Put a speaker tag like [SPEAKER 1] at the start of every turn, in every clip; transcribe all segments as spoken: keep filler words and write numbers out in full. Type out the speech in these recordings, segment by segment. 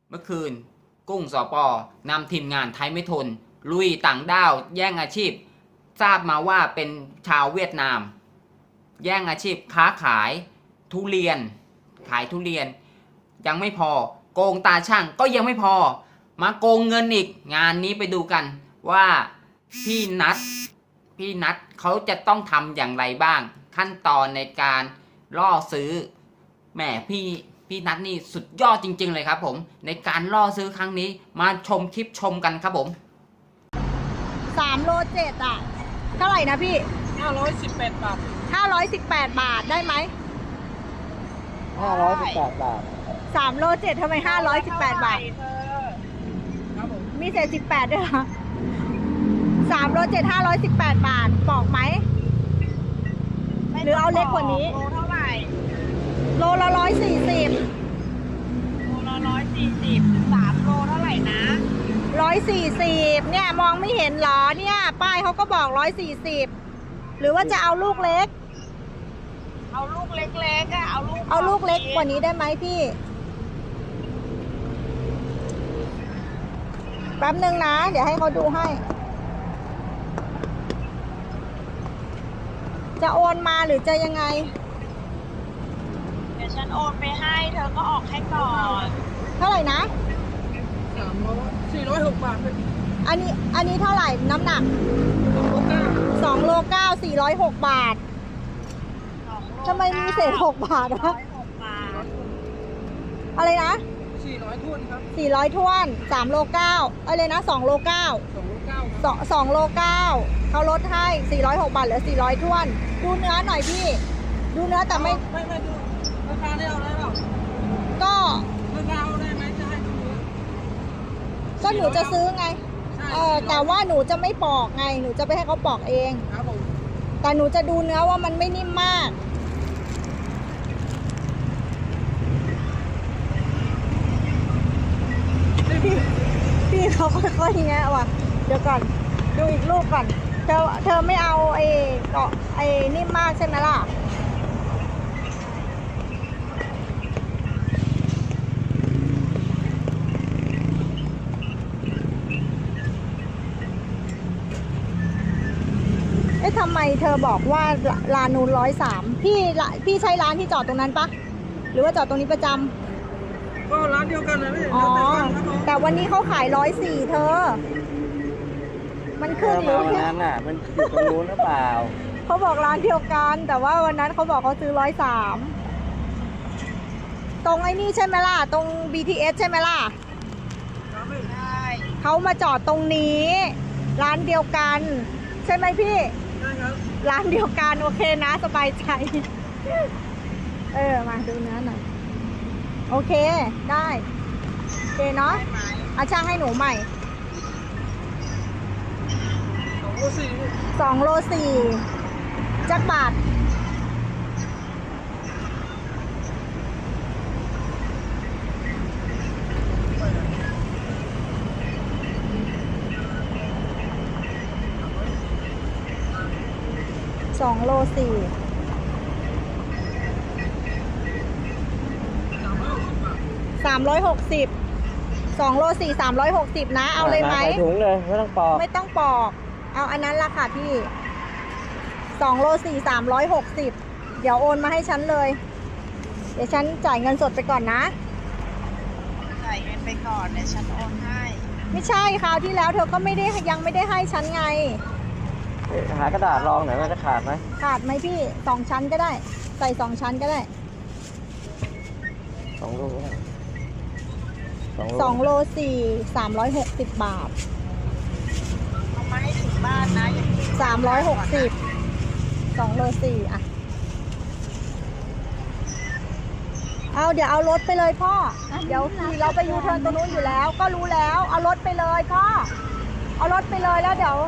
[SPEAKER 1] เมื่อคืนกุ้งสปนำทีมงานไทยไม่ทนลุยต่างด้าวแย่งอาชีพทราบมาว่าเป็นชาวเวียดนาม แย่งอาชีพค้าขายทุเรียนขายทุเรียนยังไม่พอโกงตาช่างก็ยังไม่พอมาโกงเงินอีกงานนี้ไปดูกันว่าพี่นัทพี่นัทเขาจะต้องทำอย่างไรบ้างขั้นตอนในการล่อซื้อแหมพี่พี่นัทนี่สุดยอดจริงๆเลยครับผมในการล่อซื้อครั้งนี้มาชมคลิปชมกันครับผม
[SPEAKER 2] สามโลเจ็ดอ่ะเท่าไหร่นะพี่
[SPEAKER 3] ห้าร้อยสิบแปดบาท
[SPEAKER 2] ห้าร้อยสิบแปดบาทได้ไหม
[SPEAKER 4] ห้าร้อยสิบแปดบาท
[SPEAKER 2] สามโลเจ็ดทำไมห้าร้อยสิบแปดบาทมีเศษสิบแปดด้วยเหรอสามโลเจ็ดห้าร้อยสิบแปดบาทบอกไหมหรือเอาเล็กกว่านี้
[SPEAKER 3] โลเท่าไหร่
[SPEAKER 2] โลละร้อยสี่สิบ
[SPEAKER 3] โลละร้อยสี่สิบสามโลเท่าไหร่นะ
[SPEAKER 2] ร้อยสี่สิบเนี่ยมองไม่เห็นหรอเนี่ยป้ายเขาก็บอกร้อยสี่สิบหรือว่าจะเอาลูกเล็ก
[SPEAKER 3] เอาลูกเล็กๆอะเอาลูก
[SPEAKER 2] เอาลูกเล็กกว่านี้ได้ไหมพี่แป๊บนึงนะเดี๋ยวให้เขาดูให้จะโอนมาหรือจะยังไง
[SPEAKER 3] เดี๋ยวฉันโอนไปให้เธอก็ออกให้ก่อน
[SPEAKER 2] เท่าไหร่นะ
[SPEAKER 3] สามร้อยสี่ร้อยหกบาท
[SPEAKER 2] อันนี้อันนี้เท่าไหร่น้ำหนักสองโลเก้าสี่ร้อยหกบาททำไมมีเศษหกบาทนะอะไรนะ
[SPEAKER 3] สี่ร้อยท้วนครับ
[SPEAKER 2] สี่ร้อยท้วนสามโลเก้าอะไรนะสองโลเก้า
[SPEAKER 3] สองโลเก้า
[SPEAKER 2] สองสองโลเก้าเขาลดให้สี่ร้อยหกบาทเหลือสี่ร้อยท้วนดูเนื้อหน่อยพี่ดูเนื้อแต่ไม่
[SPEAKER 3] ไม่ไม่ดูราคาได้เอาได้เปล่า
[SPEAKER 2] ก็
[SPEAKER 3] ราคาเอาได้ไหมจะให้ดู
[SPEAKER 2] ก็หนูจะซื้อไงเออแต่ว่าหนูจะไม่ปอกไงหนูจะไปให้เขาปอกเอง
[SPEAKER 3] ครับผม
[SPEAKER 2] แต่หนูจะดูเนื้อว่ามันไม่นิ่มมากพี่พี่เขาค่อยๆแงะว่ะเดี๋ยวก่อนดูอีกลูกก่อนเธอเธอไม่เอาไอ้เกาะไอ้นิ่มมากใช่ไหมล่ะเอ๊ะทำไมเธอบอกว่าร้านนูนร้อยสามพี่พี่ใช้ร้านที่จอดตรงนั้นปะหรือว่าจอดตรงนี้ประจำ
[SPEAKER 3] ก็ร้านเดียวกันเลยพี่
[SPEAKER 2] อ๋อแต่วันนี้เขาขายร้อยสี่เธอมันขึ้นหรือ
[SPEAKER 4] วันนั้นน่ะมันอยู่ตรงนู้นหรือเปล่า
[SPEAKER 2] เขาบอกร้านเดียวกันแต่ว่าวันนั้นเขาบอกเขาซื้อร้อยสามตรงไอ้นี่ใช่ไหมล่ะตรง บี ที เอส ใช่ไหมล่ะ
[SPEAKER 3] ใช่
[SPEAKER 2] เขามาจอดตรงนี้ร้านเดียวกันใช่ไหมพี่
[SPEAKER 3] ใช่ครับ
[SPEAKER 2] ร้านเดียวกันโอเคนะสบายใจเออมาดูเนื้อหน่อยโอเคได้โอเคเนาะเอาช่างให้หนูใหม่
[SPEAKER 3] สองโลสี่
[SPEAKER 2] สองโลสี่จักบาทสองโลสี่สามร้อยหกสิบสองโลสี่สามร้อยหกสิบนะเอาเลยไหม
[SPEAKER 4] ใส่ถุงเลยไม่ต้องปอก
[SPEAKER 2] ไม่ต้องปอกเอาอันนั้นละค่ะพี่สองโลสี่สามร้อยหกสิบเดี๋ยวโอนมาให้ฉันเลยเดี๋ยวฉันจ่ายเงินสดไปก่อนนะ
[SPEAKER 3] จ่ายเงินไปก่อนเดี๋ยวฉันโอนให้
[SPEAKER 2] ไม่ใช่คราวที่แล้วเธอก็ไม่ได้ยังไม่ได้ให้ฉันไง
[SPEAKER 4] หากระดาษรองหน่อยว่าจะขาดไหม
[SPEAKER 2] ขาดไหมพี่สองชั้นก็ได้ใส่สองชั้นก็ได้
[SPEAKER 4] สองโล
[SPEAKER 2] สองโลสี่สามร้อยหกสิบบาท
[SPEAKER 3] เอามาให้ถึงบ้านนะ
[SPEAKER 2] สามร้อยหกสิบสองโลสี่อ่ะเอาเดี๋ยวเอารถไปเลยพ่อเดี๋ยวเราไปยูเทิร์นตรงนู้นอยู่แล้วก็รู้แล้วเอารถไปเลยพ่อเอารถไปเลยแล้วเดี๋ยว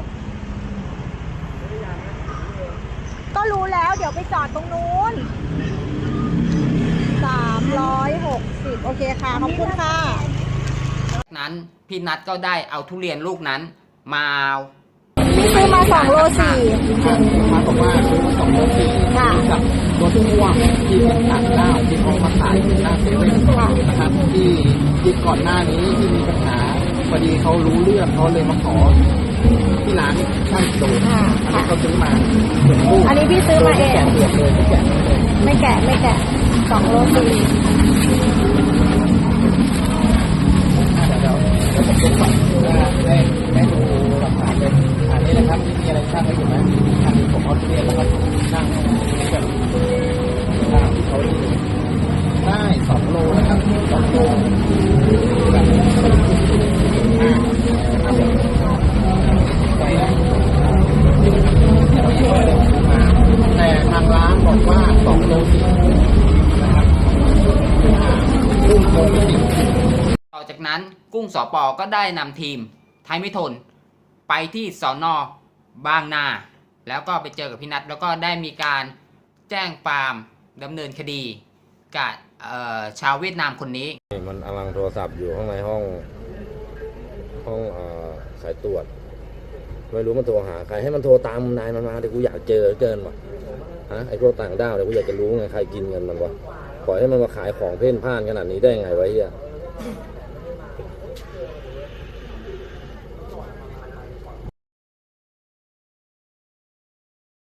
[SPEAKER 2] ก็รู้แล้วเดี๋ยวไปจอดตรงนู้นสามร้อยหกสิบโอเคค่ะขอบคุณค่ะ
[SPEAKER 1] นั้นพี่นัทก็ได้เอาทุเรียนลูกนั้นมา
[SPEAKER 2] พี่ซื้อมาสองโลสี่
[SPEAKER 4] มาบอกว่าซื้อมาสองโลสี่กับรถพ่วงที่เป็นต่างด้าวที่เขามาขายที่หน้าเซเว่นนะครับที่จริงก่อนหน้านี้ที่มีปัญหาพอดีเขารู้เรื่องเขาเลยมาขอที่ร้านช่างโดน
[SPEAKER 2] อ่า
[SPEAKER 4] อันนี้
[SPEAKER 2] ค่ะ
[SPEAKER 4] เขาซื้อมาเป็นตู้
[SPEAKER 2] อันนี้พี่ซื้อมาเอง
[SPEAKER 4] แกะเปลือกเลยไม่แกะเลย
[SPEAKER 2] ไม่แกะไม่แกะสองโลสี่
[SPEAKER 4] เดี๋ยวเดี๋ยวผมจะสั่งว่าได้ได้ดูหลักฐานเลยอันนี้นะครับที่มีอะไรช่างไว้อยู่ไหมอันนี้ผมเอาทุเรียนแล้วก็ช่างแบบตามที่เขาดูได้สองโลนะครับสองโลแบบอ่านะครับผมไปนะแต่ทางร้านบอกว่าสองโลสี่นะครับรุ่งโลสี่
[SPEAKER 1] ต่อจากนั้นกุ้งสปก็ได้นำทีมไทยไม่ทนไปที่สอนอบางนา แล้วก็ไปเจอกับพี่นัทแล้วก็ได้มีการแจ้งความดำเนินคดีกับเอ่อชาวเวียดนามคนนี้
[SPEAKER 5] มันกำลังโทรศัพท์อยู่ข้างในห้องห้องเอ่อสายตรวจไม่รู้มันโทรหาใครให้มันโทรตามนายมันมาแต่กูอยากเจอเกินว่ะฮะไอ้พวกต่างด้าวเนี่ยกูอยากจะรู้ไงใครกินเงินมันวะปล่อยให้มันมาขายของเพ่นพ่านขนาดนี้ได้ไงวะเฮีย